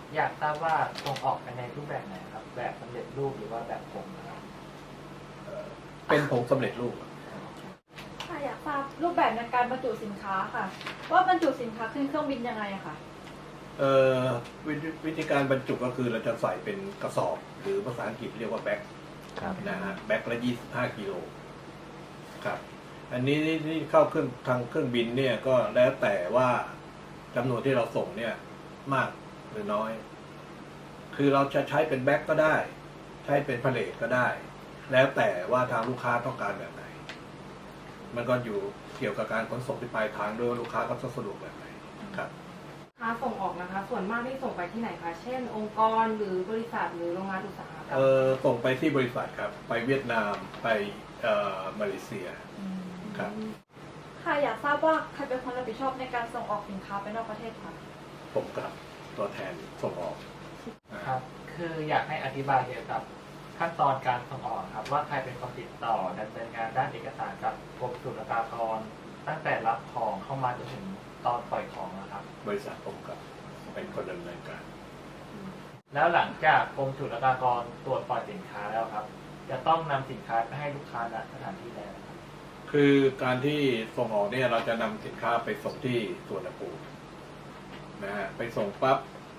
อยากทราบว่าส่งออกไปในรูปแบบไหนครับแบบสำเร็จรูปหรือว่าแบบผงนะครับเป็นผงสำเร็จรูปค่ะอยากทราบรูปแบบในการบรรจุสินค้าค่ะ ว่าบรรจุสินค้าขึ้นเครื่องบินยังไงอะค่ะเอ่อวิธีการบรรจุก็คือเราจะใส่เป็นกระสอบ หรือภาษาอังกฤษเรียกว่าแบ็คนะฮะแบ็คละ25กิโลครับ อันนี้ที่เข้าเครื่องทางเครื่องบินเนี่ยก็แล้วแต่ว่าจำนวนที่เราส่งเนี่ยมากหรือน้อย คือเราจะใช้เป็นแบ็คก็ได้ ใช้เป็นพาเลทก็ได้ แล้วแต่ว่าทางลูกค้าต้องการแบบไหน มันก็อยู่เกี่ยวกับการขนส่งที่ปลายทางด้วยว่าลูกค้าก็จะสะดวกแบบไหนครับค้าส่งออกนะคะ ส่วนมากที่ส่งไปที่ไหนคะเช่น องค์กรหรือบริษัทหรือโรงงานอุตสาหกรรมส่งไปที่บริษัทครับ ไปเวียดนามไปมาเลเซียครับค่ะอยากทราบว่าใครเป็นคนรับผิดชอบในการส่งออกสินค้าไปนอกประเทศคะผมกับตัวแทนส่งออกครับ คืออยากให้อธิบายเกี่ยวกับขั้นตอนการส่งออกครับว่าใครเป็นคนติดต่อดำเนินงานด้านเอกสารกับกรมศุลกากรตั้งแต่รับของเข้ามาจนถึงตอนปล่อยของนะครับบริษัทผมกับเป็นคนดำเนินการแล้วหลังจากกรมศุลกากรตรวจปล่อยสินค้าแล้วครับ จะต้องนำสินค้าไปให้ลูกค้าณสถานที่ใดนะครับคือการที่ส่งออกเนี่ยเราจะนำสินค้าไปส่งที่สวนภูมินะฮะไปส่งปั๊บ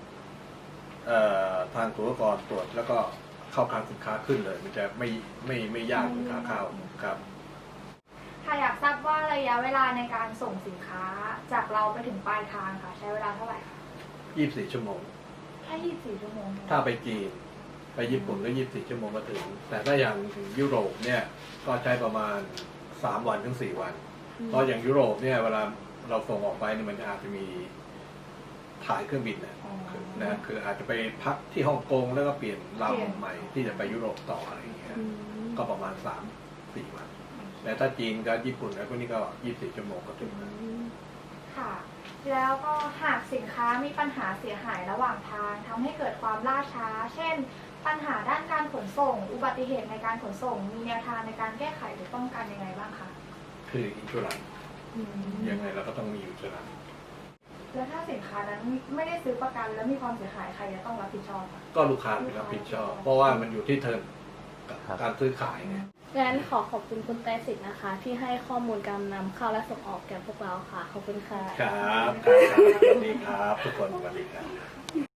ทางศุลกากรตรวจแล้วก็เข้าคลังสินค้าขึ้นเลย มันจะไม่ยากเหมือนขาเข้าครับค่ะอยากทราบว่าระยะเวลาในการส่งสินค้าจากเราไปถึงปลายทางค่ะใช้เวลาเท่าไหร่คะ 24 ชั่วโมงแค่24 ชั่วโมงถ้าไปจีนไปญี่ปุ่นก็24 ชั่วโมงก็ถึง แต่ถ้าอย่างยุโรปเนี่ยก็ใช้ประมาณ3 วันถึง 4 วัน เพราะอย่างยุโรปเนี่ยเวลาเราส่งออกไปเนี่ยมันอาจจะมีถ่ายเครื่องบินนะคืออาจจะไปพักที่ฮ่องกงแล้วก็เปลี่ยนลำใหม่ที่จะไปยุโรปต่ออะไรอย่างเงี้ยก็ประมาณ3-4 วัน แต่ถ้าจีนกับญี่ปุ่นแล้วพวกนี้ก็24 ชั่วโมงก็ถึงแล้วค่ะ แล้วก็หากสินค้ามีปัญหาเสียหายระหว่างทางทำให้เกิดความล่าช้า เช่น ปัญหาด้านการขนส่ง อุบัติเหตุในการขนส่ง มีแนวทางในการแก้ไขหรือป้องกันยังไงบ้างคะคืออินชูรันยังไงเราก็ต้องมีอินชูรันแล้วถ้าสินค้านั้นไม่ได้ซื้อประกันแล้วมีความเสียหายใครจะต้องรับผิดชอบคะก็ลูกค้าเป็นรับผิดชอบ เพราะว่ามันอยู่ที่เทอมกับการซื้อขายเนี่ยงั้นขอขอบคุณคุณไตรสิทธิ์นะคะ ที่ให้ข้อมูลการนำเข้าและส่งออกแก่พวกเราค่ะ ขอบคุณค่ะครับสวัสดีครับทุกคนสวัสดีครับ